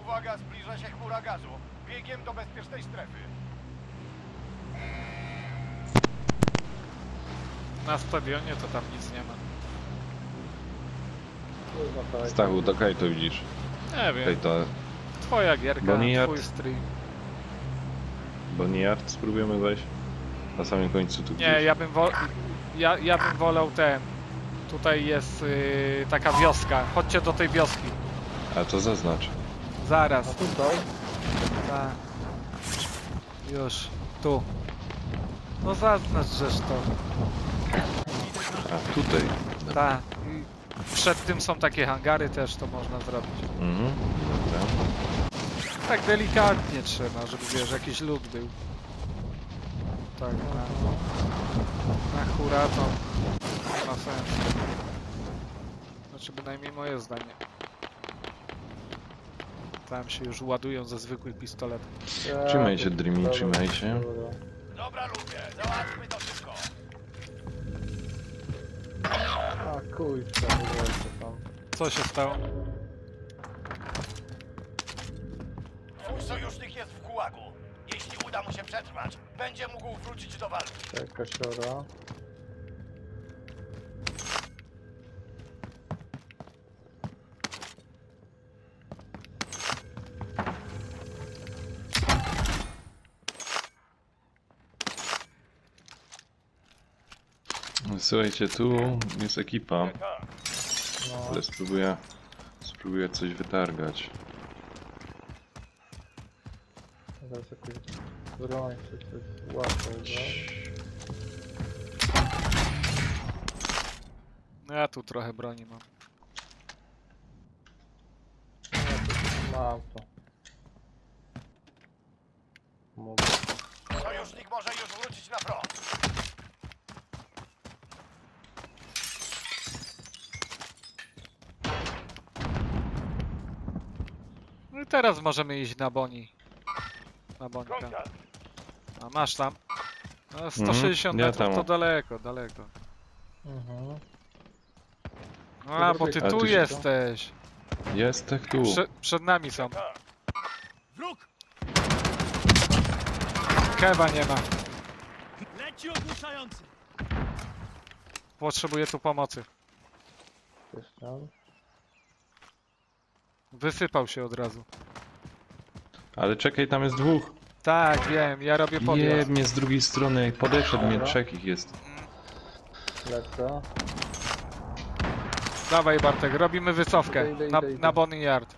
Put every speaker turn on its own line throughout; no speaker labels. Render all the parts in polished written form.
Uwaga, zbliża się chmura gazu. Biegiem do bezpiecznej strefy.
Na stadionie to tam nic nie ma.
Kurwa, to
Stachu, do kaj to widzisz?
Nie wiem,
Kaj to
twoja gierka,
Bonnie Yard?
twój stream.
Bonniard spróbujemy wejść? Na samym końcu tu
Nie,
gdzieś.
ja bym wolał ten. Tutaj jest taka wioska. Chodźcie do tej wioski.
A to zaznacz.
A
Zaraz.
tutaj?
Tak. Już. Tu. No zaznacz, żeż to.
A tutaj.
Tak. I przed tym są takie hangary też, to można zrobić.
Mhm. Dobra.
Tak delikatnie trzeba, żeby wiesz, jakiś lód był. Tak, na hura to nie ma sensu. Znaczy bynajmniej moje zdanie. Tam się już ładują ze zwykłych pistoletów.
Trzymaj się, Dreamy, trzymaj się.
Dobra, ludzie, załatwmy to szybko.
A kurczę, wygląda tam.
Co się stało?
Twój sojusznik jest w gułagu. Jeśli uda mu się przetrwać, będzie mógł wrócić do walki.
Czeka siora.
Słuchajcie, tu jest ekipa,
No,
ale spróbuję coś wytargać.
zaraz jakoś broń czy coś łatwo,
No ja tu trochę broni mam.
mam to. Mogę.
Sojusznik może już wrócić na front.
No i teraz możemy iść na Boni. Na Bonika. A masz tam? No, 160
ja
metrów
tam.
to daleko, daleko.
Mhm.
A, bo ty
A
tu
tu się-
jesteś.
Jest tak tu.
Przed nami są.
Wróg!
Kewa nie ma.
Leci ogłuszający!
Potrzebuję tu pomocy.
Jest tam.
Wysypał się od razu.
Ale czekaj, tam jest dwóch.
Tak, wiem, ja robię podjazd.
Je mnie z drugiej strony, podeszedł mnie, trzech ich jest.
Lecę.
Dawaj Bartek, robimy wycofkę.
Idę.
Na Bonnie Yard.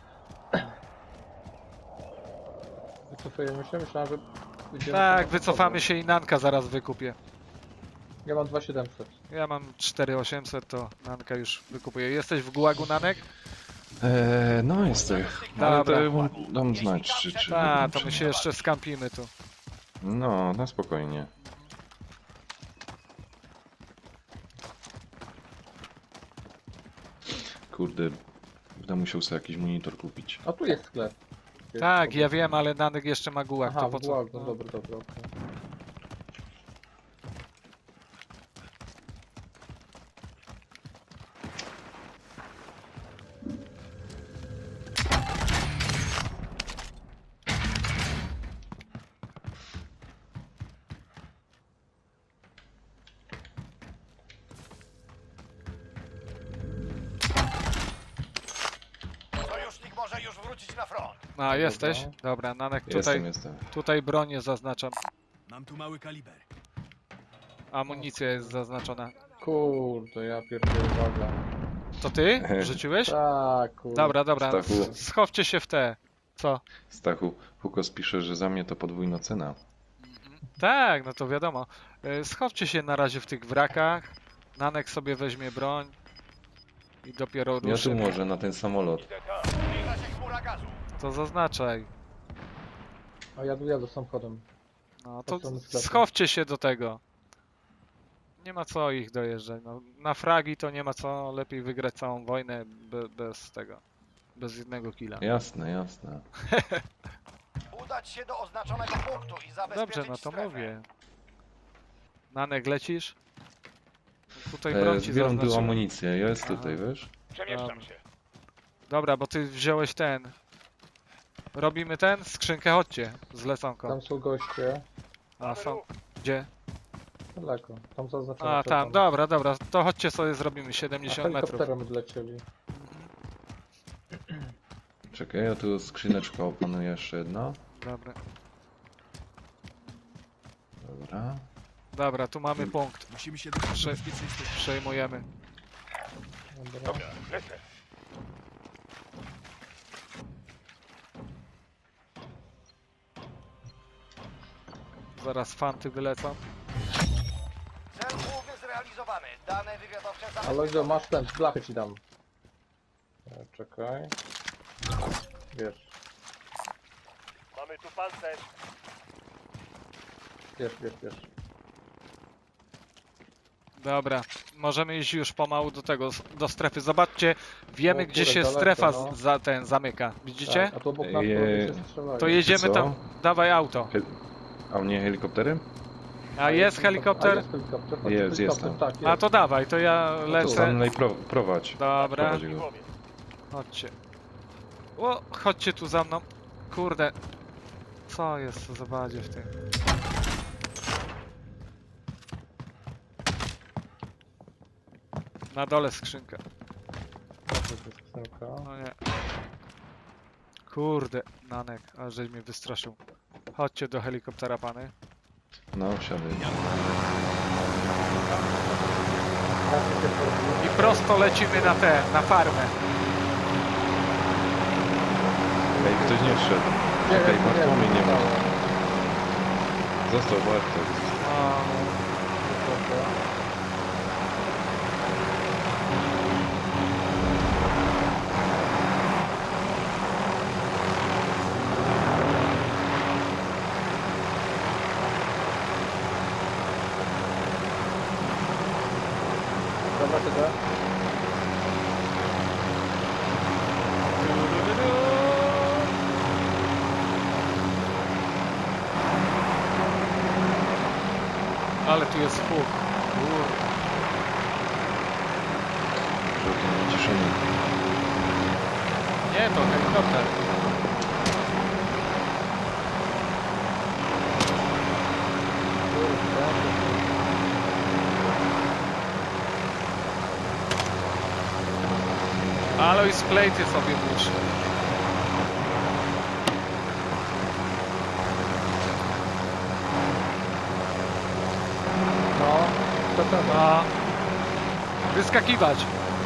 Wycofujemy się? Myślałem, że pójdziemy
Tak,
na
wycofamy się i Nanka zaraz wykupię.
Ja mam 2700.
Ja mam 4800, to Nanka już wykupuję. Jesteś w gułagu, Nanek?
No jestem. Ale
Dobra.
to dam znać, czy
Tak, to my się jeszcze skampimy tu.
No, na spokojnie. Kurde, będę musiał sobie jakiś monitor kupić.
A tu jest sklep. Jest
Tak,
obok.
ja wiem, ale Nanek jeszcze ma gułag,
Aha,
to po
w
co?
gułagu,
No.
dobra, okej.
Sojusznik może już wrócić na front.
A, jesteś? Dobra, Nanek,
Jestem.
tutaj bronię zaznaczam.
Mam tu mały kaliber.
Amunicja jest zaznaczona.
Kurde, ja pierdolę, uwaga.
To ty? Wrzuciłeś?
Tak, kurde.
Dobra.
Stachu.
Schowcie się w te. Co?
Stachu, Hukos pisze, że za mnie to podwójna cena.
Tak, no to wiadomo. Schowcie się na razie w tych wrakach. Nanek sobie weźmie broń. I dopiero
Ja tu
ruszy.
może na ten samolot.
Zbliża się chmura gazu.
To zaznaczaj.
A jadę samochodem.
No to
strony sklepu.
schowcie się do tego. Nie ma co ich dojeżdżać. No, na fragi to nie ma co. Lepiej wygrać całą wojnę bez tego. Bez jednego killa.
Jasne.
Udać się do oznaczonego punktu i zabezpieczyć
Dobrze, no to
strefę.
mówię. Nanek, lecisz? Tutaj broń ci
Zbieram tu
zaznaczyłem.
amunicję, jest
Aha.
tutaj, wiesz?
Przemieszczam
Dobra.
się.
Dobra, bo ty wziąłeś ten. Robimy ten? Skrzynkę, chodźcie. Z leconką.
Tam są goście.
A są. Gdzie?
Daleko. Tam zaznaczone.
A, tam, dobra, dobra. To chodźcie sobie zrobimy 70 metrów.
Helikopterem odlecieli.
Czekaj, ja tu skrzyneczka opanuję jeszcze jedna.
Dobra.
Dobra.
Dobra, tu mamy punkt.
Musimy się dostać
Prze-
do bezpiecznej strefy.
Przejmujemy.
Dobra.
Lecę.
Zaraz fanty wylecą.
Cel główny zrealizowany. Dane wywiadowcze
Ale Izo, masz ten, blachę ci dam. Czekaj. Wiesz,
Mamy tu pancerz.
wiesz.
Dobra, możemy iść już pomału do tego, do strefy. Zobaczcie, wiemy
O,
gdzie
kurde,
się
daleko,
strefa
no.
za ten zamyka. Widzicie?
Tak, a tu obok nas
Je-
to się strzelają.
To jedziemy
Co?
tam. Dawaj auto.
A u mnie helikoptery?
A jest
A
helikopter?
jest helikopter, chodź,
Jest,
helikopter,
jest
tak, jest.
A to dawaj, to ja
Sam
lecę.
prowadź.
Dobra,
Prowadź go.
chodźcie. O, chodźcie tu za mną. Kurde. Co jest za badzie w tym? Na dole skrzynka.
To jest skrzynka.
No nie. Kurde, Nanek, a żeś mnie wystraszył. Chodźcie do helikoptera, pany.
No, wsiadaj.
I prosto lecimy na na farmę.
Ej, ktoś nie wszedł. Czekaj, Bartłomiej nie ma. Został Bartek.
O,
Dobra, tyle.
ale tu jest huk.
Żółty wyciszony.
Nie, to helikopter. Alloy splejty sobie muszę.
No, to ten.
No. Wyskakiwać.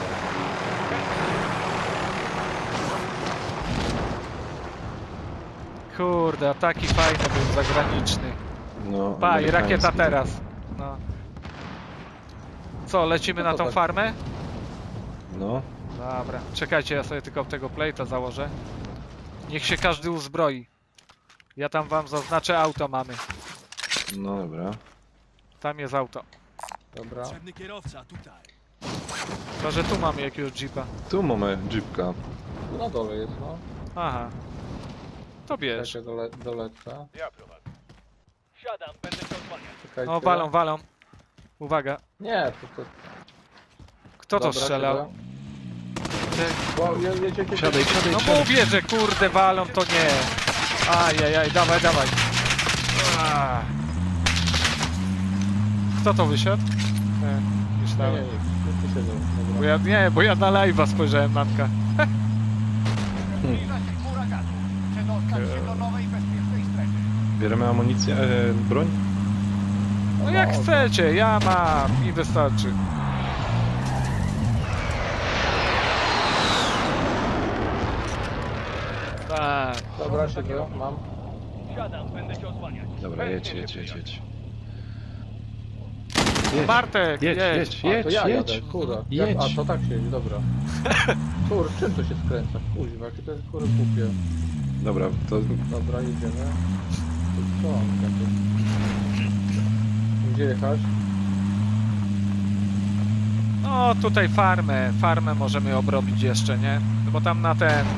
Kurde, a taki fajny był zagraniczny.
No,
Pa, i rakieta
amerykański.
teraz. No. Co, lecimy
No
na
to
tą
tak.
farmę?
No,
Dobra, czekajcie, ja sobie tylko tego plate'a założę. Niech się każdy uzbroi. Ja tam wam zaznaczę, auto mamy.
no dobra.
Tam jest auto.
Dobra.
Potrzebny kierowca, tutaj.
To, że tu mamy jakiegoś jeepa.
Tu mamy jeepka.
Tu na dole jest, no.
Aha. To bierz.
Czekaj, dolecę.
Ja prowadzę. Siadam, będę się odsłaniać.
Czekajcie.
O, walą, walą. Uwaga.
Nie, to...
Kto to
Dobra,
strzelał? Ty-
O, jedzie.
Wsiadaj, wsiadaj,
No
wsiadaj.
mówię, że kurde walą, to nie. Ajajaj, dawaj, dawaj. Ah. Kto to wysiadł? Nie,
Nie,
myślałem.
nie siedzą.
Bo
Dobra.
ja, nie, bo ja na live'a spojrzałem, Nanka.
Zbliża się huraganu. Przedostać się do nowej bezpiecznej strefy.
Bierzemy amunicję, broń?
No jak
No,
chcecie, ja mam, mi wystarczy. Tak.
Dobra, siedzę, mam.
Siadam, będę się odsłaniać.
Dobra, jedź.
Bartek,
Jedź,
jedź.
A, to ja
jedź.
jadę, kurwa.
Jedź.
A, to tak się jedzie, dobra. Kur, czym to się skręca? Kuźwa, jakie to jest kurwa głupie.
Dobra, to
Dobra, jedziemy. Co mam takie? Gdzie jechać?
No tutaj farmę możemy obrobić jeszcze, nie? No bo tam na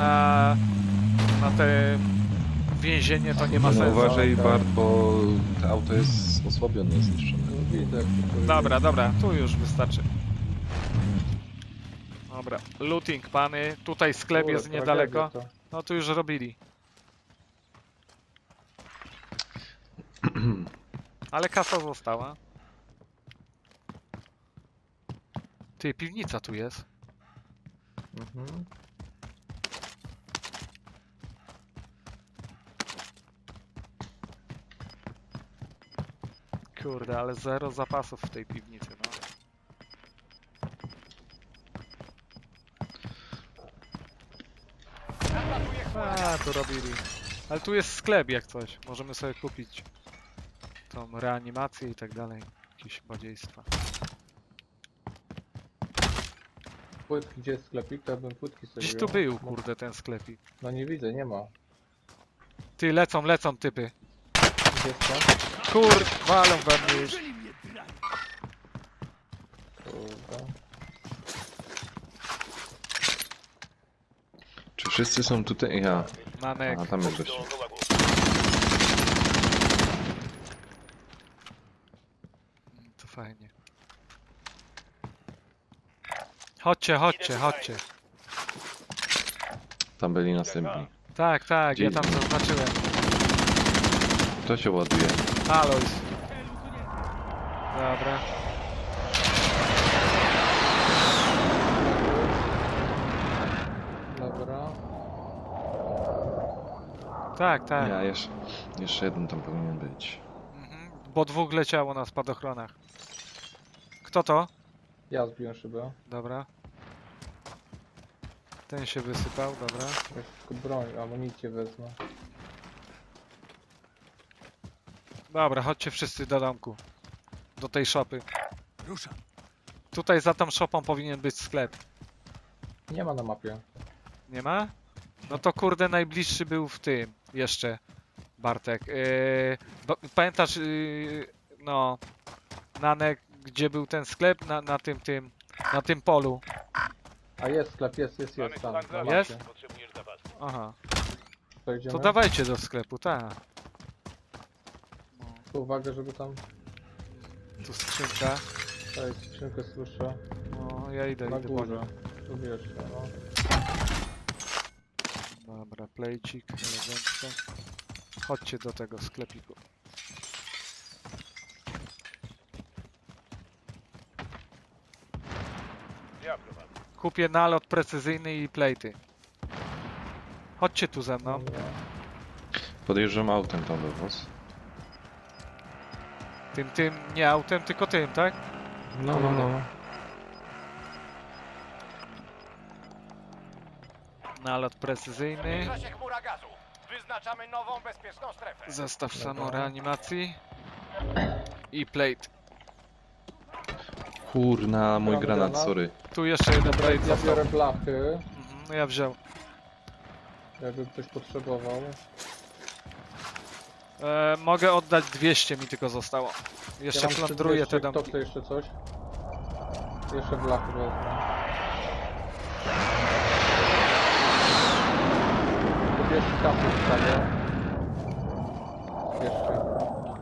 te więzienie to nie ma
no,
sensu.
uważaj
tak.
Bart, bo to auto jest osłabione, zniszczone.
No, widzę jak to kurwa.
Dobra, dobra, tu już wystarczy. Dobra, looting pany, tutaj sklep
Kurde,
jest niedaleko.
tragedia to.
No tu już robili. Ale kasa została. Ty, piwnica tu jest.
Mhm.
Kurde, ale zero zapasów w tej piwnicy, no.
Nadlatuje huragan.
A, to robili. Ale tu jest sklep jak coś. Możemy sobie kupić tą reanimację i tak dalej. Jakieś badzieństwa.
Płytki, gdzie jest sklepik? To ja bym płytki sobie
Gdzieś
wziął.
tu był, kurde, ten sklepik.
No nie widzę, nie ma.
Ty, lecą typy.
Gdzie jest to?
Kur... walą we mnie już.
Uderzyli mnie drani.
Kurde.
Czy wszyscy są tutaj? Ja.
Nanek.
A tam jest gość.
Do gułagu.
To fajnie. Chodźcie.
Tam byli następni.
Tak,
Gdzie
ja tam
idzie?
zaznaczyłem.
Kto się ładuje?
Alois. Dobra.
Dobra.
Tak.
Ja jeszcze jeden tam powinien być.
Mhm. Bo dwóch leciało na spadochronach. Kto to?
Ja zbiłem szybę.
Dobra. Ten się wysypał, dobra.
Ja tylko broń, amunicję wezmę.
Dobra, chodźcie wszyscy do domku. Do tej szopy.
Ruszam.
Tutaj za tą szopą powinien być sklep.
Nie ma na mapie.
Nie ma? No to kurde najbliższy był w tym jeszcze. Bartek. Pamiętasz no Nanek, gdzie był ten sklep? Na tym polu.
A jest sklep, jest tam. Na
Jest?
mapie.
Potrzebujesz zapasu.
Aha.
To idziemy?
To dawajcie do sklepu, tak.
Tylko uwagę, żeby tam...
Tu skrzynka.
Tutaj skrzynkę słyszę.
No ja idę
Na
po
górze.
nią.
Tu wiesz, no.
Dobra, plejcik, elegancko. Chodźcie do tego sklepiku.
Ja prowadzę.
Kupię nalot precyzyjny i plejty. Chodźcie tu ze mną.
Dobra.
Podjeżdżam autem tam do was.
Tym, nie autem, tylko tym, tak?
No.
Nalot precyzyjny.
Zbliża się chmura gazu. Wyznaczamy nową bezpieczną strefę.
Zestaw
Dobra.
samoreanimacji. I plate.
Kurna, mój
Mamy
granat,
granat?
sorry.
Tu jeszcze jeden plate
Ja
został.
biorę blachy,
No ja wziął.
jakby ktoś potrzebował.
Mogę oddać 200, mi tylko zostało. Jeszcze
mam
plądruję te
200, kto
domki.
chce jeszcze coś? Jeszcze blachy wezmę. Tu jeszcze kapy wstawię. Jeszcze.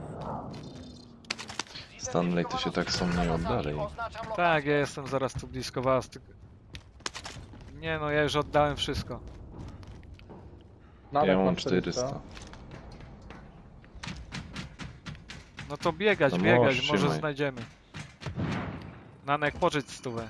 Stanley, ty się tak są nie oddalej.
Tak, ja jestem zaraz tu blisko was. Nie no, ja już oddałem wszystko.
Nadal
Ja mam 400.
No to biegać,
No
biegać,
możesz,
może
trzymaj.
znajdziemy. Nanek, pożycz stówę.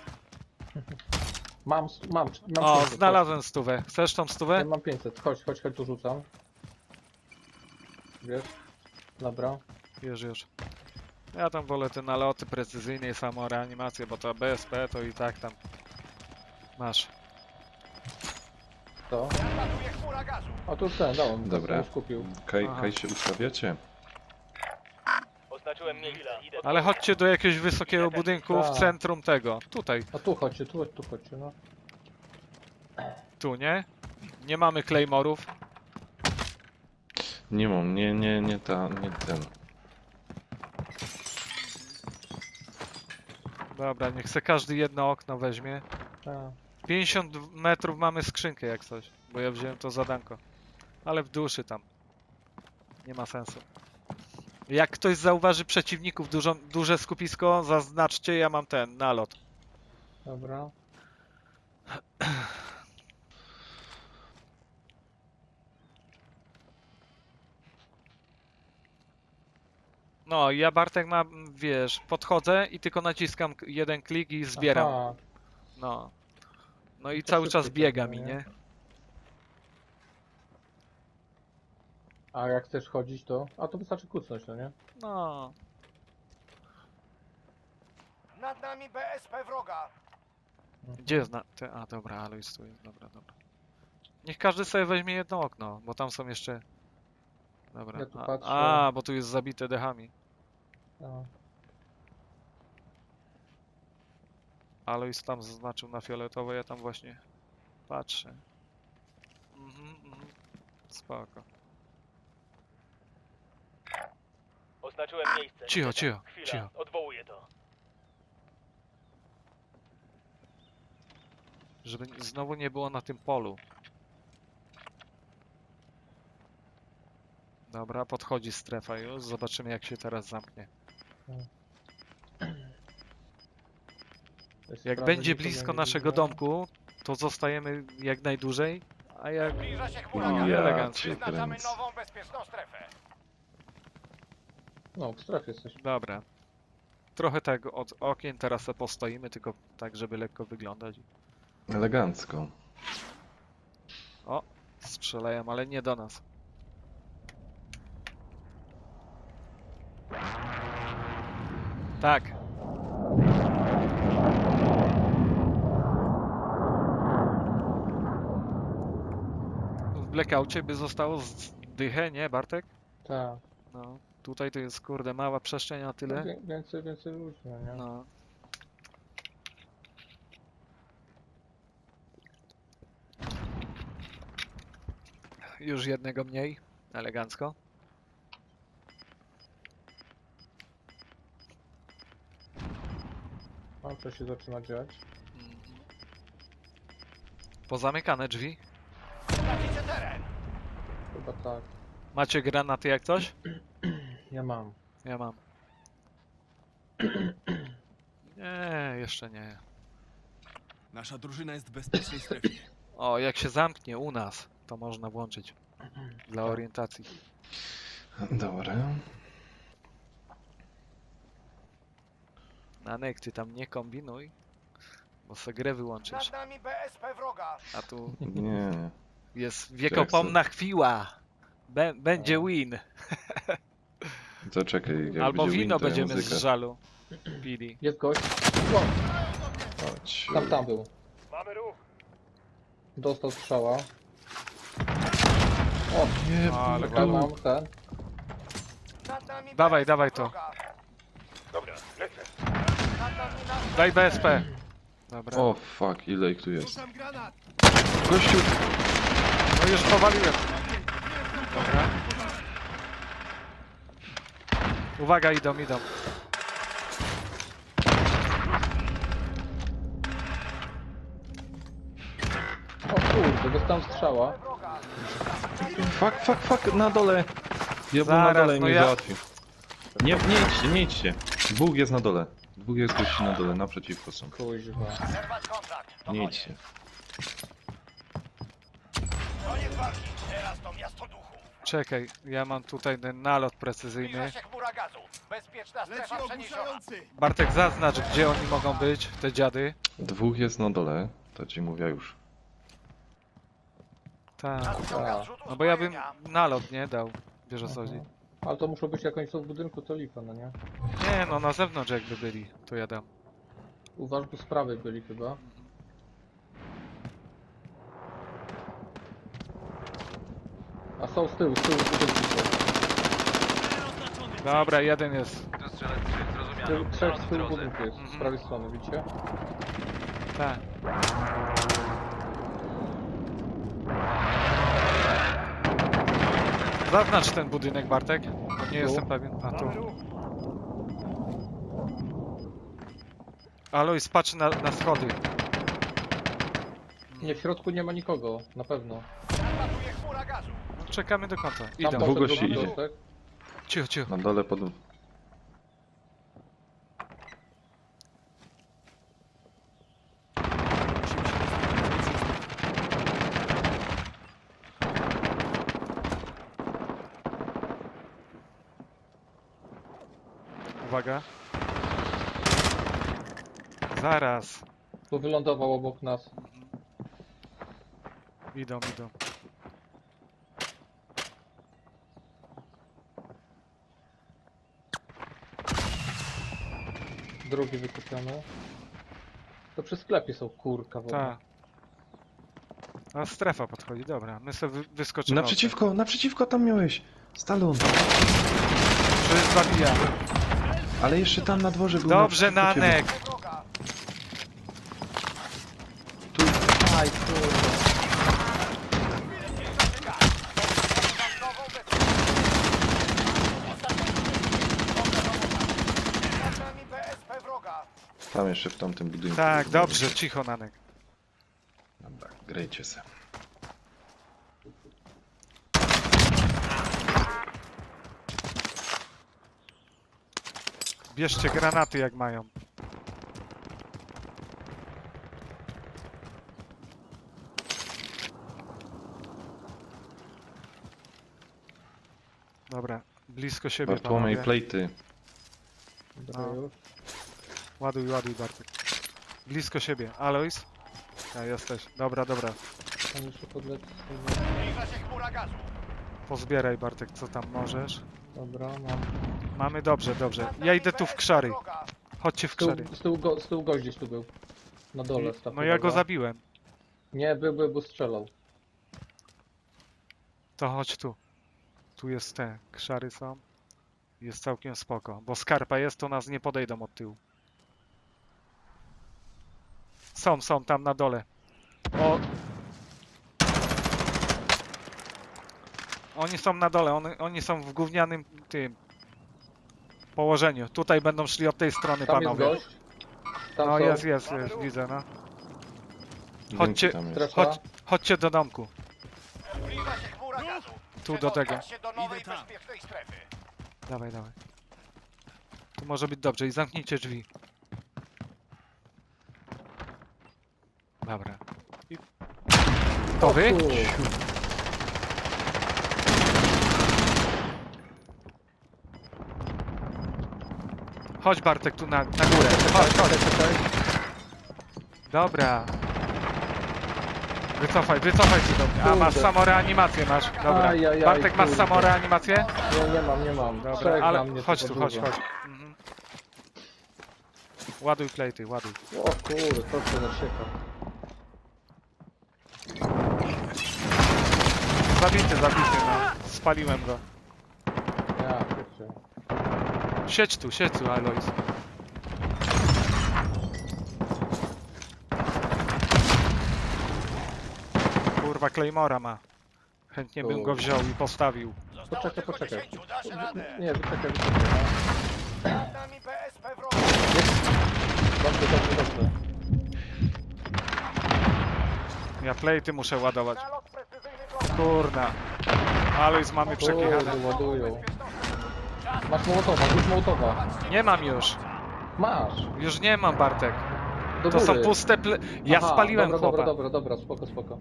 Mam
O,
500,
znalazłem stówę. Chcesz tą
chodź.
stówę?
Ja mam 500, chodź, tu rzucam. Wiesz? Dobra.
Już. Ja tam wolę te naloty precyzyjne i samoreanimację, bo to BSP to i tak tam masz.
To.
Nadlatuje chmura gazu.
A tu już ten, dałem.
Dobra.
Już kupił.
Aha.
Kaj się ustawiacie?
Oznaczyłem miejsce. Idę
Ale chodźcie do jakiegoś wysokiego budynku w
Tak.
centrum tego. Tutaj,
A tu chodźcie, tu chodźcie, no.
tu, nie? Nie mamy claymorów.
Nie mam, nie ten.
Dobra, niech se każdy jedno okno weźmie.
Tak.
50 metrów mamy skrzynkę jak coś, bo ja wziąłem to zadanko. Ale w duszy tam. Nie ma sensu. Jak ktoś zauważy przeciwników, duże skupisko, zaznaczcie, ja mam ten, nalot.
Dobra.
No, ja Bartek ma, wiesz, podchodzę i tylko naciskam jeden klik i zbieram.
Aha,
No. No i
To
cały
szybciej
czas biega
pewnie,
mi,
nie?
nie?
a jak chcesz chodzić to... A to wystarczy kucnąć, no nie?
No.
Nad nami BSP wroga.
Gdzie jest na... A, dobra, Alois tu jest. Dobra, dobra. Niech każdy sobie weźmie jedno okno, bo tam są jeszcze... Dobra.
Ja tu patrzę.
Bo tu jest zabite dechami.
A,
Alois tam zaznaczył na fioletowo, ja tam właśnie patrzę. Mhm. Spoko.
Oznaczyłem miejsce.
Cicho,
Niestety.
cicho,
Chwila,
cicho.
odwołuję to.
Żeby znowu nie było na tym polu. Dobra, podchodzi strefa już. Zobaczymy jak się teraz zamknie.
to jest
Jak
prawy,
będzie
nikogo
blisko
nie
naszego
widzę.
domku, to zostajemy jak najdłużej, a jak...
Zbliża się chmura
No,
gazu.
Ja
elegancko.
cię
Wyznaczamy
kręcę.
nową bezpieczną strefę.
No, w strefie jesteś.
Dobra. Trochę tak od okien teraz se postoimy, tylko tak, żeby lekko wyglądać.
Elegancko.
Strzelają, ale nie do nas. Tak. W blackoutie by zostało z dychę, nie Bartek?
Tak.
No. Tutaj to jest kurde mała przestrzeń na
No,
tyle.
więcej ludzi, no nie?
No. Już jednego mniej. Elegancko.
A co się zaczyna dziać?
Mhm. Pozamykane drzwi.
Tracicie teren.
Chyba tak.
Macie granaty jak coś?
Ja mam.
Ja mam. Nie, jeszcze nie.
Nasza drużyna jest w bezpiecznej strefie.
O, jak się zamknie u nas, to można włączyć. Dla orientacji.
Dobra.
Nanek, ty tam nie kombinuj, bo se grę wyłączysz.
Nad nami BSP wroga.
A tu
Nie.
jest wiekopomna chwila. Będzie
O.
win.
To czekaj, jak
Albo
będzie
wino
win, to ja
będziemy z
muzykę.
żalu pili.
Jest gość. O,
Chodź.
tam był.
Mamy ruch.
Dostał strzała.
Nie,
Ale
Ja
walą.
mam ten.
Nad nami
Dawaj,
BSP
dawaj to.
wroga.
Dobra, lecę.
Nad nami nasz...
Daj BSP. Dobra.
O fuck, ile ich tu jest.
Rzucam granat!
Gościu!
No już powaliłem. Dobra. Uwaga, idą.
O kurde, dostałem strzała.
wroga.
Fuck, na dole! Ja był na
Zaraz,
dole i
no
mnie
ja-
załatwił. Nie idźcie. Dwóch jest na dole. Dwóch jest gości na dole, naprzeciwko są.
Kuźwa.
Zerwać kontrakt. To
Nie
koniec.
idźcie.
Koniec walki. Teraz to miasto duchów.
Czekaj, ja mam tutaj ten nalot
Zbliża
precyzyjny.
się chmura gazu. Bezpieczna
Leci
strefa przeniesiona.
ogłuszający!
Bartek, zaznacz, gdzie oni mogą być, te dziady.
Dwóch jest na dole, to ci mówię już.
Tak.
Nadciąga
A.
zrzut
No bo ja bym
uzbrojenia.
nalot nie dał. Wiesz o co chodzi?
Ale to muszą być jak oni są w budynku, to lipa, no nie?
Nie, no na zewnątrz jakby byli, to ja dam.
Uważ, bo z prawej byli chyba. A są z tyłu budynku są.
Dobra, jeden jest.
Trzech z tyłu budynku jest, z
Mhm.
prawej strony, widzicie?
Tak. Zaznacz ten budynek, Bartek. Bo nie jestem pewien. A tu. Alois, patrz na schody.
Nie, w środku nie ma nikogo, na pewno.
Atakuje chmura gazu.
No, czekamy do końca.
Tam
Idą.
Dwóch
poszedł
gości
drugi
idzie.
gostek.
Cicho, cicho.
Na dole pod...
Uwaga. Zaraz.
Tu wylądował obok nas.
Idą.
Drugi wykupiony. To przy sklepie są, kurka w ogóle.
Tak. A strefa podchodzi, dobra. My sobie wyskoczymy.
Naprzeciwko tam miałeś. Stalon.
Że zabija.
Ale jeszcze tam na dworze był.
Dobrze,
naprzeciwko ciebie.
Nanek.
Wroga.
Aj, kurwa.
Nad nami BSP wroga.
Tam jeszcze w tamtym budynku.
Tak, dobrze, cicho, Nanek.
Dobra, grejcie se.
Bierzcie granaty jak mają. Dobra, blisko siebie,
Bartłomiej,
panowie.
plejty.
Dobra,
No.
już.
Ładuj, Bartek. Blisko siebie. Alois? Ja jesteś. Dobra.
Tam jeszcze podleci.
Zbliża się chmura gazu.
Pozbieraj, Bartek, co tam możesz.
Dobra, mam.
Mamy dobrze.
Nad
Ja
nami
idę tu w
BSP
krzary.
wroga.
Chodźcie w
Z tyłu,
krzary.
z tyłu gość gdzieś tu był. Na dole
I-
staw.
No ja go
uwaga.
zabiłem.
Nie, był, strzelał.
To chodź tu. Tu jest te krzary są. Jest całkiem spoko. Bo skarpa jest, to nas nie podejdą od tyłu. Są tam na dole. O! Oni są na dole, oni są w gównianym tym położeniu. Tutaj będą szli od tej strony,
Tam jest
panowie.
gość. Tam
No
są.
jest, widzę, no.
Budynki
Chodźcie.
tam jest.
Strefa.
Chodźcie do domku.
Zbliża się chmura gazu.
Tu do tego.
Przedostać się do nowej
Idę tam.
bezpiecznej strefy.
Dawaj. Tu może być dobrze i zamknijcie drzwi. Dobra. I... To wy?
Tu.
Chodź Bartek tu na górę. Chodź.
Czekaj.
Dobra. Wycofaj się do mnie. A masz
Kurde.
samoreanimację masz. Dobra.
Ajajaj,
Bartek masz
kurde.
samoreanimację?
Nie mam.
Dobra,
Trzech na
ale
mnie
chodź
tylko
tu, chodź.
dużo.
Mhm. Ładuj plejty, ładuj.
O kurde, to się nasieka.
Zabity, no. Spaliłem go.
Ja pierdzie.
Siedź tu, Alois. Kurwa, Claymora ma. Chętnie bym go wziął i postawił.
Zostało
Poczekaj,
tylko
poczekaj.
10. Dasz radę.
Nie, wyczekaj.
Nad nami BSP wroga.
Dobrze.
Ja plejty muszę ładować.
Nalot precyzyjny wroga.
Kurna. Alois mamy przekihane.
Kurde, ładują. Masz Mołotowa.
Nie mam już.
Masz.
Już nie mam, Bartek.
Do
To są
góry.
puste Ja
Aha,
spaliłem chłopa.
Dobra, spoko.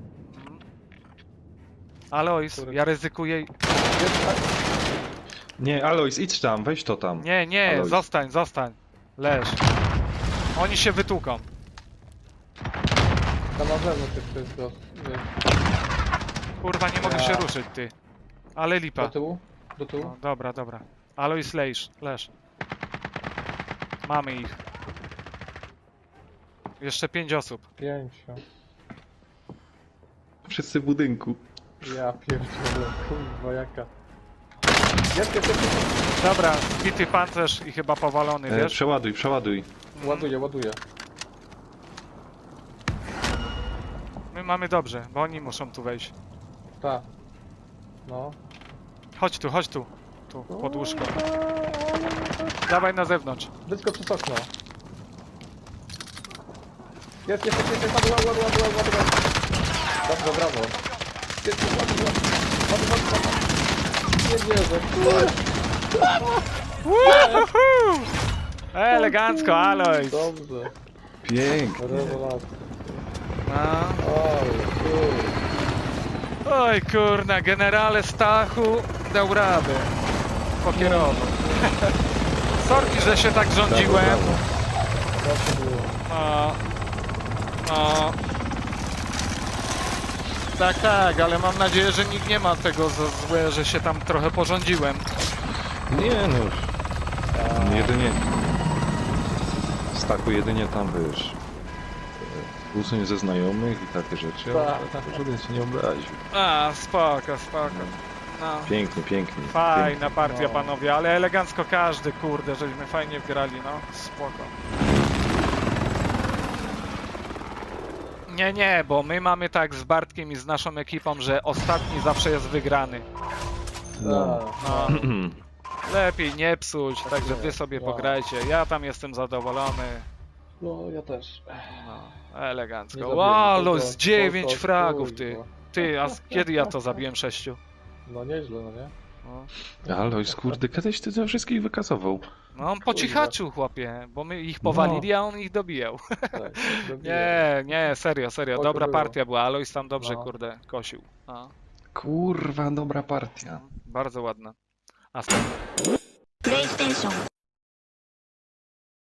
Alois,
Kurde.
ja ryzykuję...
Jest tak?
Nie, Alois, idź tam, weź to tam.
Nie,
Alois.
zostań. Leż. Oni się wytłuką.
Tam na zewnątrz jeszcze jest gość.
Kurwa, nie mogę się ruszyć, ty. Ale lipa.
Do tyłu?
No, dobra. Alois, leż. Mamy ich. Jeszcze 5 osób.
5.
Wszyscy w budynku.
Ja pierdzielę, kurwa jaka. Jest.
Dobra, zbity pancerz i chyba powalony, wiesz?
Przeładuj.
Ładuję.
My mamy dobrze, bo oni muszą tu wejść.
Tak. No.
Chodź tu. Tu, pod łóżko. Dawaj na zewnątrz.
Wyskocz przez okno. Jest, ładuj. Dobrze, brawo. Jest, ładuj. Nie wierzę,
Woohoo! Elegancko, Alois.
Dobrze,
Pięknie.
rewelacja.
No.
Oj, kurde.
Oj kurna, generale Stachu dał radę. Pokierował. Sorki, że się tak rządziłem.
Brawo, brawo.
Zawsze było.
No. Tak, tak, ale mam nadzieję, że nikt nie ma tego za złe, że się tam trochę porządziłem.
Nie no już. Jedynie... Staku jedynie tam, wiesz... Usuń ze znajomych i takie rzeczy, ale
Tak.
tak, żaden się nie obraził.
A, spoko, spoko. No.
Pięknie, pięknie.
Fajna partia,
No.
panowie, ale elegancko każdy, kurde, żeśmy fajnie wgrali, no. Spoko. Nie, bo my mamy tak z Bartkiem i z naszą ekipą, że ostatni zawsze jest wygrany.
No.
Tak.
No. Lepiej nie psuć, także wy sobie
No.
pograjcie. Ja tam jestem zadowolony.
No, ja też.
No,
Nie
elegancko.
zabiłem
Wow,
nikogo,
z 9
tylko
fragów,
chuj,
ty.
no.
Ty, a kiedy ja to zabiłem 6?
No nieźle, no nie?
No,
Alois, kurde, kiedyś ty ze wszystkich wykasował.
no on po cichaczu, chłopie, bo my ich powalili, a on ich dobijał.
Tak,
Nie, serio,
Oj,
dobra
to było.
partia była. Alois tam dobrze,
No.
kurde, kosił. No,
Kurwa, dobra partia.
bardzo ładna. A
PlayStation